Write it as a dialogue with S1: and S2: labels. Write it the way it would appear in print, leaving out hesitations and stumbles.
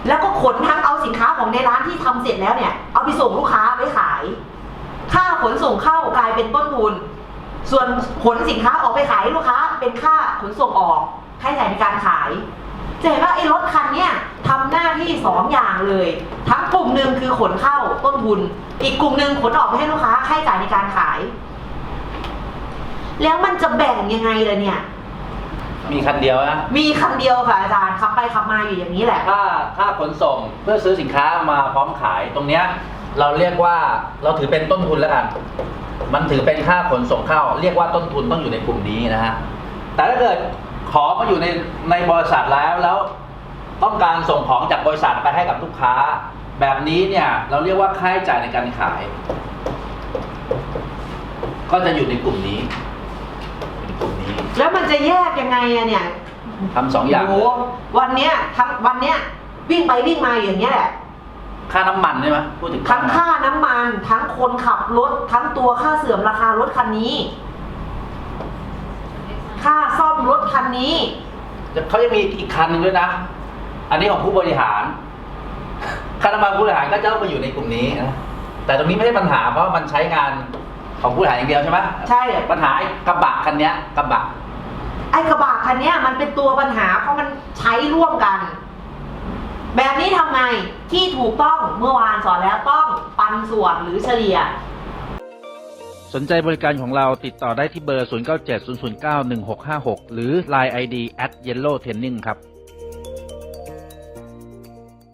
S1: แล้วก็ขนทั้งเอาสินค้าของในร้านที่ทำเสร็จแล้วเนี่ยเอาไปส่งลูกค้าไว้ขายค่าขนส่งเข้ากลายเป็นต้นทุนส่วนขนสินค้าออกไปขายให้ลูกค้าเป็นค่าขนส่งออกค่าใช้จ่ายในการขายจะเห็นว่าไอ้รถคันเนี้ยทำหน้าที่2อย่างเลยทั้งกลุ่มหนึ่งคือขนเข้าต้นทุนอีกกลุ่มหนึ่งขนออกไปให้ลูกค้าค่าใช้จ่ายในการขายแล้วมันจะแบ่งยังไงล่ะเนี่ย
S2: มีคันเดียวนะ
S1: มีคันเดียวค่ะอาจารย์ขับไปขับมาอยู่อย่างนี้แหละ
S2: ถ้าขนส่งเพื่อซื้อสินค้ามาพร้อมขายตรงเนี้ยเราเรียกว่าเราถือเป็นต้นทุนแล้วกันมันถือเป็นค่าขนส่งเข้าเรียกว่าต้นทุนต้องอยู่ในกลุ่มนี้นะฮะแต่ถ้าเกิดของมาอยู่ในบริษัทแล้วต้องการส่งของจากบริษัทไปให้กับลูกค้าแบบนี้เนี่ยเราเรียกว่าค่าใช้จ่ายในการขายก็จะอยู่ในกลุ่มนี้
S1: แล้วมันจะแยกยังไงอะเนี่ย
S2: ทำ2 อย่าง
S1: โอ้วันเนี้ยวิ่งไปวิ่งมาอย่างเงี้ยแหละ
S2: ค่าน้ำมันใช่ไหมพูดถึง
S1: ทั้งค่าน้ำมันทั้งคนขับรถทั้งตัวค่าเสื่อมราคารถคันนี้ค่าซ่อมรถคันนี้
S2: เขาจะมีอีกคันหนึ่งด้วยนะอันนี้ของผู้บริหารค่าน้ำมันผู้บริหารก็จะต้องมาอยู่ในกลุ่มนี้นะแต่ตรงนี้ไม่ใช่ปัญหาเพราะมันใช้งานของผู้บริหารอย่างเดียวใช่ไหม
S1: ใช่
S2: ปัญหาไอ้กระบะคันนี้กระบะ
S1: คันนี้มันเป็นตัวปัญหาเพราะมันใช้ร่วมกันแบบนี้ทำไงที่ถูกต้องเมื่อวานสอนแล้วต้องปันส่วนหรือเฉลี่ย
S2: สนใจบริการของเราติดต่อได้ที่เบอร์ 0970091656 หรือ Line ID @yellowtraining ครับ